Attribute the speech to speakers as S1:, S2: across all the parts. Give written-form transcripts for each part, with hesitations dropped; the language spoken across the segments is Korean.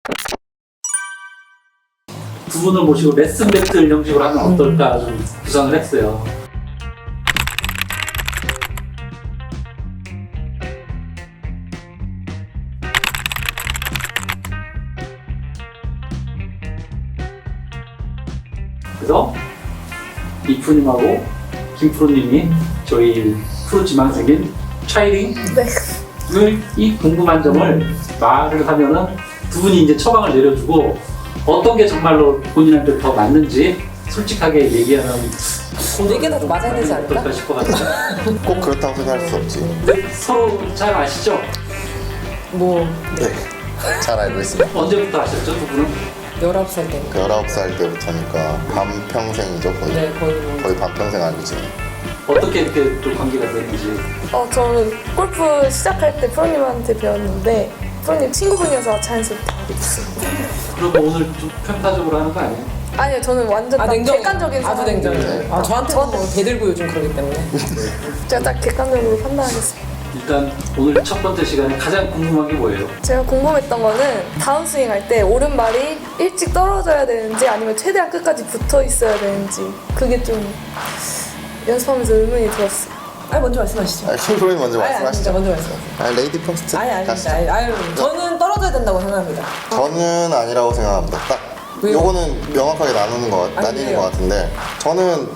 S1: 두 분을 모시고 레슨 배틀 형식으로 하면 어떨까 좀 구상을 했어요. 그래서 이프님하고 김프로님이 저희 프로 지망생인 차이링을 이 궁금한 점을 말을 하면은 두 분이 이제 처방을 내려주고 어떤 게 정말로 본인한테 더 맞는지 솔직하게 얘기하면
S2: 네 개나 더 맞아야 되지 않을까?
S1: 어떨까 싶어가지고.
S3: 꼭 그렇다고 생각할 수 없지.
S1: 근데 서로 잘 아시죠?
S2: 뭐
S3: 네. 잘 알고 있습니다.
S1: 언제부터 아셨죠, 두 분은?
S2: 19살 때.
S3: 19살 때부터니까 반평생이죠, 거의.
S2: 네, 거의 뭐.
S3: 거의 반평생 알고 지내.
S1: 어떻게 이렇게 또 관계가 됐는지.
S4: 저는 골프 시작할 때 프로님한테 배웠는데 프로님 친구분이어서 자연스럽게 알게 됐습니다.
S1: 그러면 오늘 좀 편파적으로 하는 거 아니에요?
S4: 아니요, 저는 완전 딱 객관적인
S2: 아주
S4: 사람이에요.
S2: 냉정해요. 저한테는 뭐 대들고 요즘 그러기 때문에.
S4: 제가 딱 객관적으로 판단하겠습니다.
S1: 일단 오늘 첫 번째 시간에 가장 궁금한 게 뭐예요?
S4: 제가 궁금했던 거는 다운 스윙 할 때 오른발이 일찍 떨어져야 되는지 아니면 최대한 끝까지 붙어 있어야 되는지 그게 좀 연습하면서 의문이 들었어요.
S2: 먼저 말씀하시죠.
S3: 킹프로님 먼저
S2: 아니,
S3: 말씀하시죠.
S2: 먼저 말씀하세요.
S3: 레이디 퍼스트. 가시죠.
S2: 저는 떨어져야 된다고 생각합니다.
S3: 저는 아니라고 생각합니다. 딱
S2: 왜요?
S3: 요거는 명확하게 나뉘는
S2: 왜요?
S3: 것 같은데 저는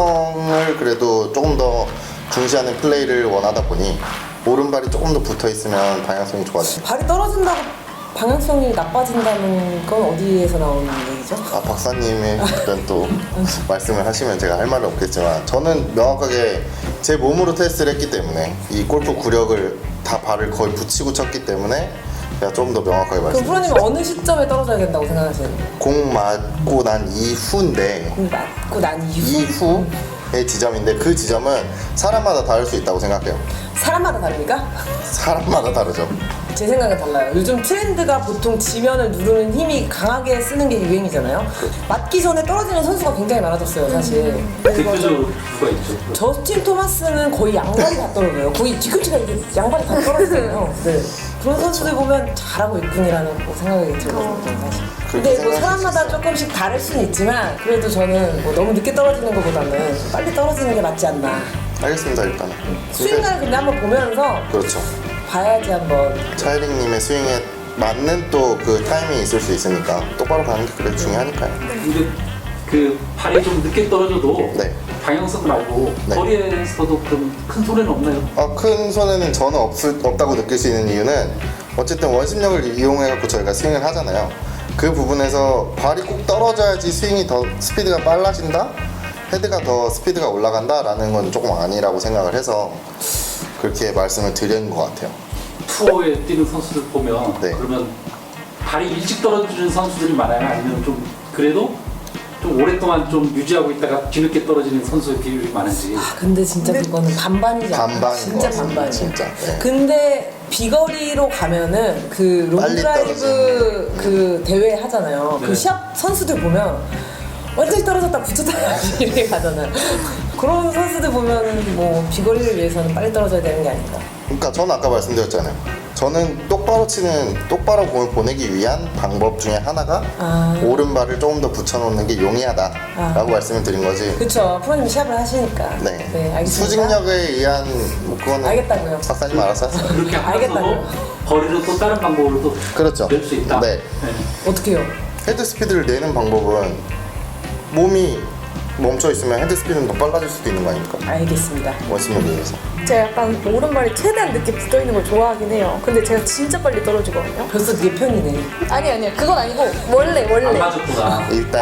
S3: 방향성을 그래도 조금 더 중시하는 플레이를 원하다 보니 오른발이 조금 더 붙어 있으면 방향성이 좋아져요.
S2: 발이 떨어진다고 방향성이 나빠진다는 건 어디에서 나오는 얘기죠?
S3: 박사님의 어떤 또 말씀을 하시면 제가 할 말은 없겠지만 저는 명확하게 제 몸으로 테스트를 했기 때문에 이 골프 구력을 다 발을 거의 붙이고 쳤기 때문에 제가 좀 더 명확하게
S2: 그럼
S3: 말씀드릴게요.
S2: 프로님은 어느 시점에 떨어져야 된다고 생각하시는 거예요?
S3: 공 맞고 난 이후인데
S2: 공 맞고 난 이후?
S3: 이후의 지점인데 그 지점은 사람마다 다를 수 있다고 생각해요.
S2: 사람마다 다릅니까?
S3: 사람마다 다르죠.
S2: 제 생각은 달라요. 요즘 트렌드가 보통 지면을 누르는 힘이 강하게 쓰는 게 유행이잖아요. 맞기 전에 떨어지는 선수가 굉장히 많아졌어요, 사실.
S1: 대표적으로 누가 있죠?
S2: 저스틴 토마스는 거의 양발이 다 떨어져요. 거의 뒤꿈치가 이게 양발이 다 떨어지잖아요. 네. 그런 선수들 보면 잘하고 있군이라는 생각이 들거든요, 사실. 근데 뭐
S3: 생각할 수
S2: 사람마다
S3: 있어요.
S2: 조금씩 다를 수는 있지만 그래도 저는 뭐 너무 늦게 떨어지는 것보다는 빨리 떨어지는 게 맞지 않나.
S3: 알겠습니다, 일단은.
S2: 스윙을 근데 한번 보면서
S3: 그렇죠.
S2: 봐야지 한번.
S3: 차이링님의 스윙에 맞는 또 그 타이밍이 있을 수 있으니까 똑바로 가는 게 그래도 중요하니까요.
S1: 근데 그 발이 좀 늦게 떨어져도
S3: 네.
S1: 방향성 말고
S3: 네.
S1: 거리에서도 그럼 큰 소리는 없나요?
S3: 큰 손해는 저는 없다고 느낄 수 있는 이유는 어쨌든 원심력을 이용해갖고 저희가 스윙을 하잖아요. 그 부분에서 발이 꼭 떨어져야지 스윙이 더 스피드가 빨라진다? 헤드가 더 스피드가 올라간다라는 건 조금 아니라고 생각을 해서 그렇게 말씀을 드리는 것 같아요.
S1: 투어에 뛰는 선수들 보면
S3: 네.
S1: 그러면 발이 일찍 떨어지는 선수들이 많아요? 아니면 좀 그래도 좀 오랫동안 좀 유지하고 있다가 뒤늦게 떨어지는 선수의 비율이 많은지.
S2: 근데 진짜 그거는 반반이지 않아요?
S3: 반반인
S2: 진짜
S3: 것 같습니다,
S2: 반반이에요.
S3: 진짜. 네.
S2: 근데 비거리로 가면은 그
S3: 빨리
S2: 롱드라이브 그 대회 하잖아요.
S1: 네.
S2: 그 시합 선수들 보면 완전히 떨어졌다 붙였다 이렇게 가잖아요. 그런 선수들 보면은 뭐 비거리를 위해서는 빨리 떨어져야 되는 게 아닌가.
S3: 그러니까 저는 아까 말씀드렸잖아요. 저는 똑바로 공을 보내기 위한 방법 중에 하나가 오른발을 조금 더 붙여놓는 게 용이하다라고 말씀을 드린 거지.
S2: 그렇죠. 프로님이 시합을 하시니까.
S3: 네.
S2: 알겠습니다.
S3: 수직력에 의한 뭐 그거는
S2: 알겠다고요.
S3: 박사님 알아서 하세요.
S1: 그렇게 하면서도
S2: 알겠다고요.
S1: 거리를 또 다른 방법으로 또
S3: 그렇죠.
S1: 낼 수 있다.
S3: 네.
S2: 어떻게요?
S3: 헤드 스피드를 내는 방법은 몸이 멈춰 있으면 헤드 스피드는 더 빨라질 수도 있는 거 아닙니까?
S2: 알겠습니다.
S3: 원심력에 의해서.
S4: 제가 약간 오른발이 최대한 늦게 붙어 있는 걸 좋아하긴 해요. 근데 제가 진짜 빨리 떨어지거든요.
S2: 벌써 네 편이네.
S4: 아니요, 그건 아니고 원래.
S1: 안 맞았구나.
S3: 일단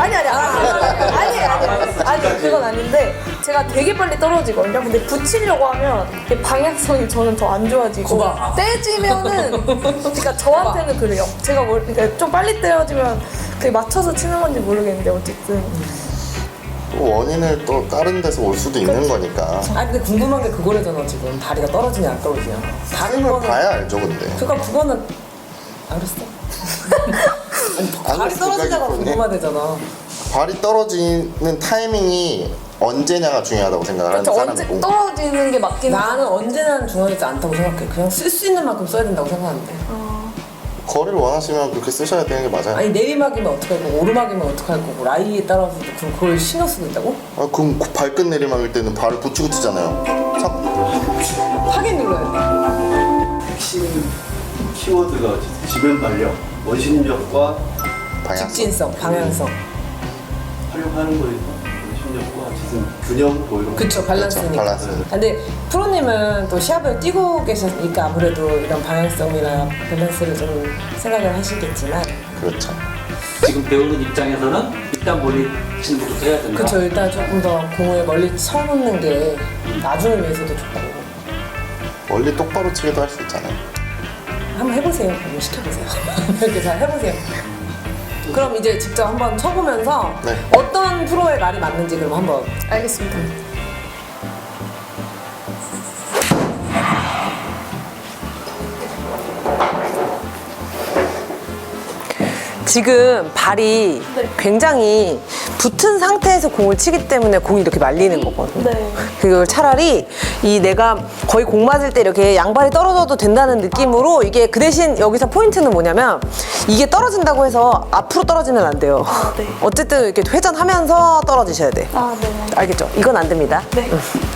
S4: 아니 그건 아닌데 제가 되게 빨리 떨어지거든요. 근데 붙이려고 하면 이게 방향성이 저는 더 안 좋아지고
S1: 거봐.
S4: 떼지면은 그러니까 저한테는 그래요. 제가 그러니까 좀 빨리 떨어지면 그게 맞춰서 치는 건지 모르겠는데 어쨌든
S3: 또 원인을 또 다른 데서 올 수도 있는 거니까.
S2: 근데 궁금한 게 그거래잖아 지금. 다리가 떨어지냐 안 떨어지냐. 다른
S3: 스윙을
S2: 거는
S3: 봐야 알죠, 근데.
S2: 그러니까 그거는 알았어. 아니, 발이
S3: 알았어,
S2: 떨어지냐가
S3: 그거는.
S2: 궁금하대잖아.
S3: 발이 떨어지는 타이밍이 언제냐가 중요하다고 생각을 하는
S4: 그렇죠. 언제
S3: 사람이고.
S4: 떨어지는 게 맞긴
S2: 나는 언제나 중요하지 않다고 생각해. 그냥 쓸 수 있는 만큼 써야 된다고 생각하는데.
S3: 거리를 원하시면 그렇게 쓰셔야 되는 게 맞아요.
S2: 아니 내리막이면 어떡할 거고 오르막이면 어떡할 거고 라이에 따라서도 그걸 신경 쓰고 있다고?
S3: 아, 그럼 그 발끝 내리막일 때는 발을 붙이고 치잖아요.
S2: 하게 눌러야
S5: 핵심 키워드가 지변 발력, 원심력과
S2: 돼.
S3: 방향성.
S2: 직진성, 방향성.
S5: 활용하는 거에서 원심력과 지금 균형 뭐 이런 거.
S2: 그쵸, 밸런스니까.
S3: 그렇죠, 밸런스.
S2: 근데 프로님은 또 시합을 뛰고 계셨으니까 아무래도 이런 방향성이나 밸런스를 좀 생각을 하시겠지만
S3: 그렇죠.
S1: 지금 배우는 입장에서는 일단 멀리 치는 것부터 해야 된다.
S2: 그쵸, 일단 조금 더 공을 멀리 쳐놓는 게 나중을 위해서도 좋고
S3: 멀리 똑바로 치기도 할 수 있잖아요.
S2: 한번 해보세요. 한번 시켜보세요. 이렇게 잘 해보세요. 그럼 이제 직접 한번 쳐보면서
S3: 네.
S2: 어떤 프로의 말이 맞는지 그럼 한번
S4: 알겠습니다.
S2: 지금 발이 굉장히 붙은 상태에서 공을 치기 때문에 공이 이렇게 말리는 거거든요.
S4: 네.
S2: 그걸 차라리 이 내가 거의 공 맞을 때 이렇게 양발이 떨어져도 된다는 느낌으로 이게 그 대신 여기서 포인트는 뭐냐면 이게 떨어진다고 해서 앞으로 떨어지면 안 돼요.
S4: 아, 네.
S2: 어쨌든 이렇게 회전하면서 떨어지셔야 돼.
S4: 아, 네.
S2: 알겠죠? 이건 안 됩니다.
S4: 네.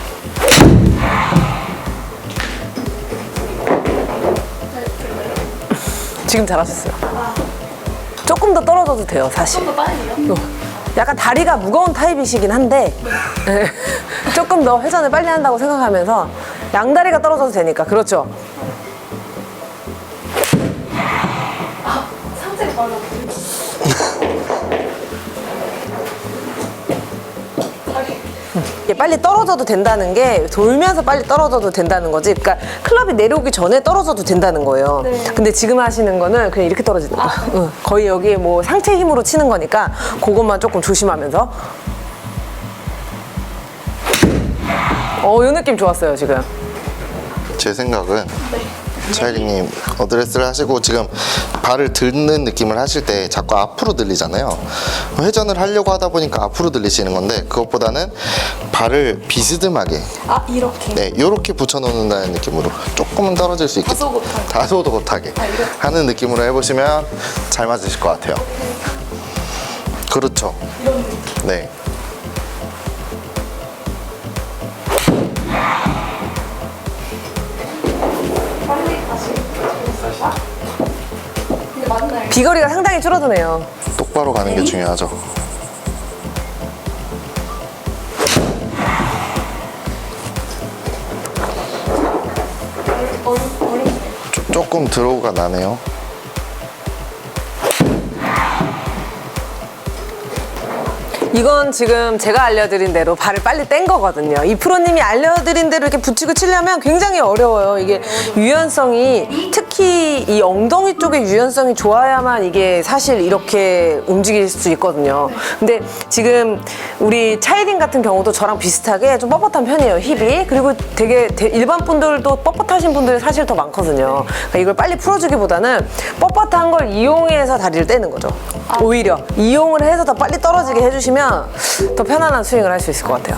S2: 지금 잘하셨어요. 조금 더 떨어져도 돼요, 사실.
S4: 좀 더 빨리요?
S2: 약간 다리가 무거운 타입이시긴 한데 조금 더 회전을 빨리 한다고 생각하면서 양다리가 떨어져도 되니까. 그렇죠.
S4: 상체 발라.
S2: 이게 빨리 떨어져도 된다는 게 돌면서 빨리 떨어져도 된다는 거지. 그러니까 클럽이 내려오기 전에 떨어져도 된다는 거예요.
S4: 네.
S2: 근데 지금 하시는 거는 그냥 이렇게 떨어지는 거야. 응. 거의 여기 뭐 상체 힘으로 치는 거니까 그것만 조금 조심하면서. 요 느낌 좋았어요, 지금.
S3: 제 생각은 차이링님 어드레스를 하시고 지금 발을 드는 느낌을 하실 때 자꾸 앞으로 들리잖아요. 회전을 하려고 하다 보니까 앞으로 들리시는 건데 그것보다는 발을 비스듬하게
S4: 아, 이렇게.
S3: 네, 요렇게 붙여놓는다는 느낌으로 조금은 떨어질 수 있게 다소도 못하게 하는 느낌으로 해보시면 잘 맞으실 것 같아요. 그렇죠. 네.
S4: 근데 맞나요?
S2: 비거리가 상당히 줄어드네요.
S3: 똑바로 가는 게 중요하죠. 조금 드로우가 나네요.
S2: 이건 지금 제가 알려드린 대로 발을 빨리 뗀 거거든요. 이 프로님이 알려드린 대로 이렇게 붙이고 치려면 굉장히 어려워요. 이게 유연성이 특히 이 엉덩이 쪽의 유연성이 좋아야만 이게 사실 이렇게 움직일 수 있거든요. 근데 지금 우리 차이링 같은 경우도 저랑 비슷하게 좀 뻣뻣한 편이에요, 힙이. 그리고 되게 일반 분들도 뻣뻣하신 분들이 사실 더 많거든요. 그러니까 이걸 빨리 풀어주기보다는 뻣뻣한 걸 이용해서 다리를 떼는 거죠. 오히려 이용을 해서 더 빨리 떨어지게 해주시면 더 편안한 스윙을 할 수 있을 것 같아요.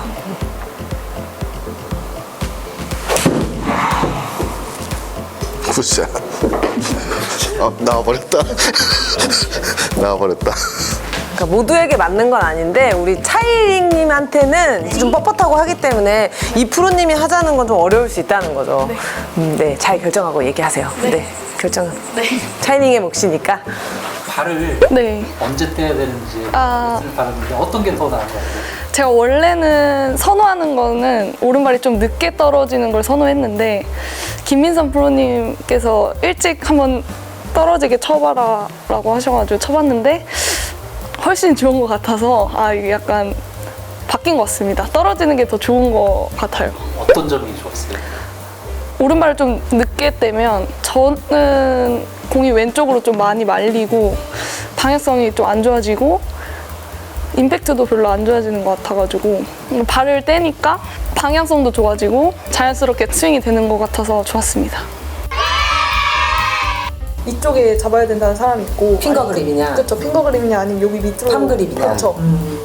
S3: 굿샷. 나와버렸다. 나와버렸다.
S2: 그러니까 모두에게 맞는 건 아닌데 우리 차이링님한테는 좀 뻣뻣하고 하기 때문에 이 프로님이 하자는 건 좀 어려울 수 있다는 거죠. 네, 잘 결정하고 얘기하세요. 네, 결정.
S4: 네.
S2: 차이링의 몫이니까.
S1: 발을
S4: 네.
S1: 언제 떼야 되는지
S4: 아.
S1: 말씀을 바랐는데 어떤 게 더 나은 것 같아요?
S4: 제가 원래는 선호하는 거는 오른발이 좀 늦게 떨어지는 걸 선호했는데 김민선 프로님께서 일찍 한번 떨어지게 쳐봐라 라고 하셔가지고 쳐봤는데 훨씬 좋은 것 같아서 이게 약간 바뀐 것 같습니다. 떨어지는 게 더 좋은 것 같아요.
S1: 어떤 점이 좋았어요?
S4: 오른발을 좀 늦게 떼면 저는 공이 왼쪽으로 좀 많이 말리고 방향성이 좀 안 좋아지고 임팩트도 별로 안 좋아지는 것 같아가지고 발을 떼니까 방향성도 좋아지고 자연스럽게 스윙이 되는 것 같아서 좋았습니다. 이쪽에 잡아야 된다는 사람이 있고
S2: 핑거 그립이냐?
S4: 그렇죠. 핑거 그립이냐 아니면 여기 밑으로
S2: 팜 그립이냐?
S4: 그렇죠.